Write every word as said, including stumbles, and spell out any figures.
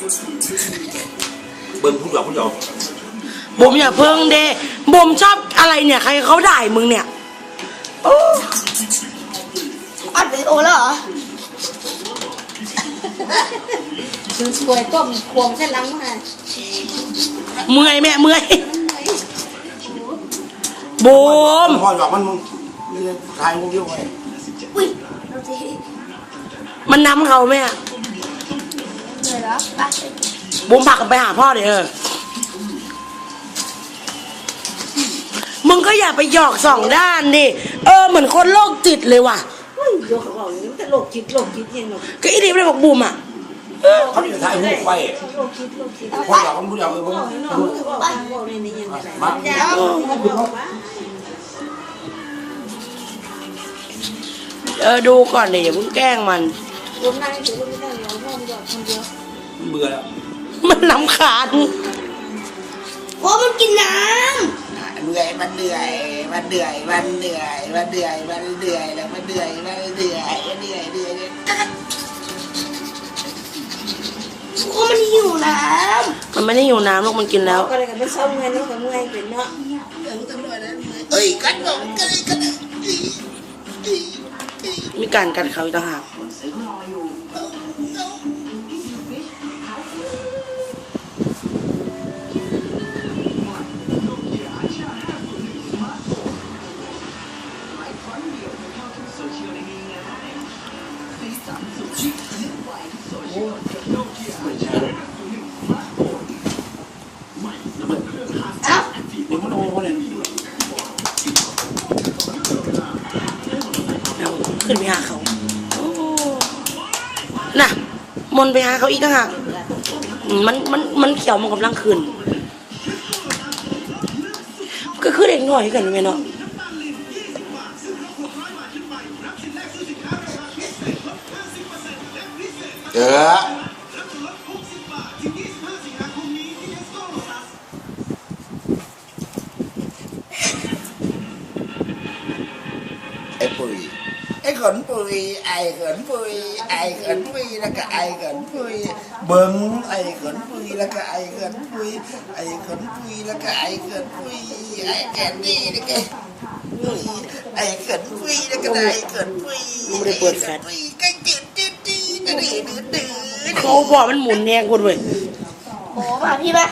เบิ่งผู้หยอกผู้หยอกบุ๋มอย่าเพิ่งเดบุ๋มชอบอะไรเนี่ยใครเขาด่ามึงเนี่ยโอ้อัดวิดีโอแล้วเหรอคือสวยต้มควงเส้นล้างมาเมื่อยแม่เมื่อยบุ๋มพ่อหยอกมันมึงทายมึงเยอะไปอุ้ยมันน้ำเขาแม่เลยเหรอไปบุ๋มผลักกันไปหาพ่อเดี๋ยวเออมึงก็อย่าไปหยอกสองด้านดิเออเหมือนคนโรคจิตเลยว่ะเฮ้ยโยกเขาบอกอย่างนี้แต่โรคจิตโรคจิตยังไงก็อีดีไม่ได้บอกบุ๋มอ่ะเขาจะทายหูไปโรคจิตโรคจิตพ่อหยอกมันผู้หยอกเออมึงมาเออดูก่อนเดี๋ยวเพิ่งแกล้งมันรวมนั่งถือว่าไม่ได้เดี๋ยวพ่อมันหยอกคนเดียวเบื่อแล้วมันน้ำขาดโอ้มันกินน้ำเหนื่อยมันเหนื่อยมันเหนื่อยมันเหนื่อยมันเหนื่อยมันเหนื่อยแล้วมันเหนื่อยมันเหนื่อยมันเหนื่อยเหนื่อยโอ้มันหิวน้ำมันไม่ได้หิวน้ำหรอกมันกินแล้วก็เลยกันเป็นเศร้าเงินแล้วกับเมื่อยเป็นเนาะเอ้ยกัดลงกัดกัดมีการกัดเขาอีกต่างหากขึ้นไปหาเขาน่ะมนไปหาเขาอีกต่างหากมันมันมันเขียวมันกำลังขึ้นก็คือเด็กหน่อยกันไหมเนาะเออไอ้ปุ๋ยไอ้ขนปุ๋ยไอ้ขนปุ๋ยไอ้ขนปุ๋ยแล้วก็ไอ้ขนปุ๋ยเบิ้งไอ้ขนปุ๋ยแล้วก็ไอ้ขนปุ๋ยไอ้ขนปุ๋ยแล้วก็ไอ้ขนปุ๋ยไอ้แก่นี่แล้วก็ไอ้ขนปุ๋ยแล้วก็ไอ้ขนปุ๋ยไม่ได้เปิดแฟลชก็จืดจืดจืดดื้อดื้อดื้อเขาบอกมันหมุนแรงคนเว้ยำโอ้ป่ะพี่ป่ะ